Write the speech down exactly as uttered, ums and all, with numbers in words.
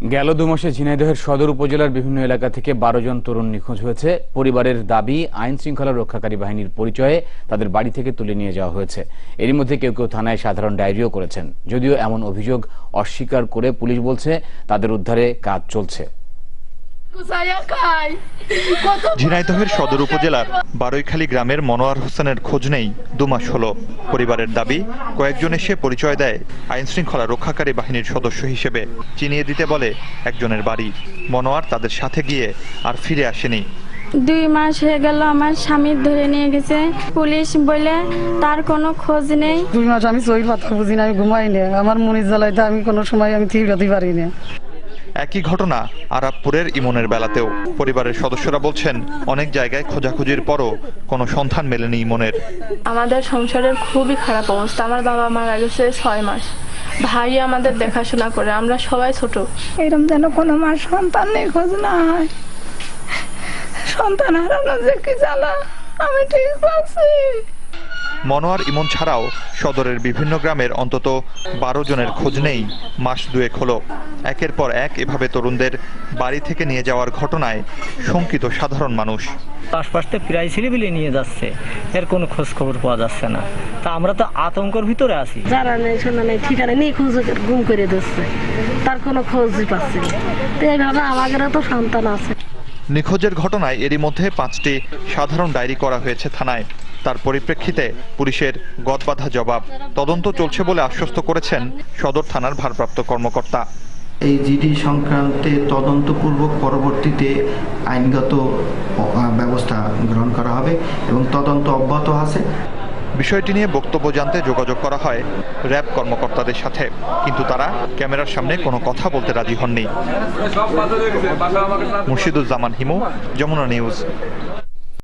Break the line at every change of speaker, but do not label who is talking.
গেল দু মাসে ঝিনাইদহের সদর উপজেলার বিভিন্ন এলাকা থেকে বারো জন তরুণ নিখোঁজ হয়েছে। পরিবারের দাবি, আইন শৃঙ্খলা রক্ষাকারী বাহিনীর পরিচয়ে তাদের বাড়ি থেকে তুলে নিয়ে যাওয়া হয়েছে। এরই মধ্যে কেউ কেউ থানায় সাধারণ ডায়েরিও করেছেন। যদিও এমন অভিযোগ অস্বীকার করে পুলিশ বলছে তাদের উদ্ধারে কাজ চলছে।
ঝিনাইদহের সদর উপজেলার বারৈখালী গ্রামের মনোয়ার হোসেনের খোঁজ নেই দুমাস হলো। পরিবারের দাবি, কয়েকজন এসে পরিচয় দেয় আইন শৃঙ্খলা রক্ষাকারী বাহিনীর সদস্য হিসেবে, চিনিয়ে দিতে বলে একজনের বাড়ি। মনোয়ার তাদের সাথে গিয়ে আর ফিরে আসেনি।
দুই মাস হয়ে গেল আমার স্বামী ধরে নিয়ে গেছে পুলিশ বলে, তার কোনো খোঁজ নেই।
দুই মাস আমি চোখের পাতা বুঝি না, আমি ঘুমাই না, আমার মনির জ্বালাইতে আমি কোনো সময় আমি থিরাতে পারি না।
একই ঘটনা আরাবপুরের ইমনের বেলাতেও। পরিবারের সদস্যরা বলছেন, অনেক জায়গায় খোঁজাখুঁজির পরও কোনো সন্ধান মেলেনি ইমনের।
আমাদের সংসারের খুবই খারাপ অবস্থা। আমার বাবা মারা গেছে ছয় মাস, ভাই আমাদের দেখাশোনা করে, আমরা সবাই ছোট।
এরকম যেন কোনো মার সন্তান নেই খোঁজ না হয়, সন্তান হারানো যে কি জ্বালা, আমি ঠিক পাচ্ছি।
মনোয়ার ইমন ছাড়াও সদরের বিভিন্ন গ্রামের অন্তত বারো জনের খোঁজ নেই মাস দুয়েক হলো। একের পর এক এভাবে তরুণদের বাড়ি থেকে নিয়ে যাওয়ার ঘটনায় শঙ্কিত সাধারণ মানুষ।
আশপাশ থেকে প্রায় ছেলেপিলে নিয়ে যাচ্ছে, এর কোনো খোঁজ খবর পাওয়া যাচ্ছে না। তা আমরা তো আতঙ্কের ভিতরে আছি।
যারা নেই শোনা নেই ঠিকানা নেই, খোঁজ গুম করে দিচ্ছে, তার কোনো খোঁজই পাচ্ছি না। তো এইভাবে আমাদেরও তো সন্তান আছে।
নিখোঁজের ঘটনায় এরই মধ্যে পাঁচটি সাধারণ ডায়েরি করা হয়েছে থানায়। তার পরিপ্রেক্ষিতে পুলিশের গদবাঁধা জবাব। তদন্ত চলছে বলে আশ্বস্ত করেছেন সদর থানার ভারপ্রাপ্ত কর্মকর্তা।
এই জিডি সংক্রান্তে তদন্তপূর্বক পরবর্তীতে আইনগত ব্যবস্থা গ্রহণ করা হবে এবং তদন্ত অব্যাহত আছে।
বিষয়টি নিয়ে বক্তব্য জানতে যোগাযোগ করা হয় র্যাব কর্মকর্তাদের সাথে, কিন্তু তারা ক্যামেরার সামনে কোনো কথা বলতে রাজি হননি। মুর্শিদুজ্জামান হিমু, যমুনা নিউজ।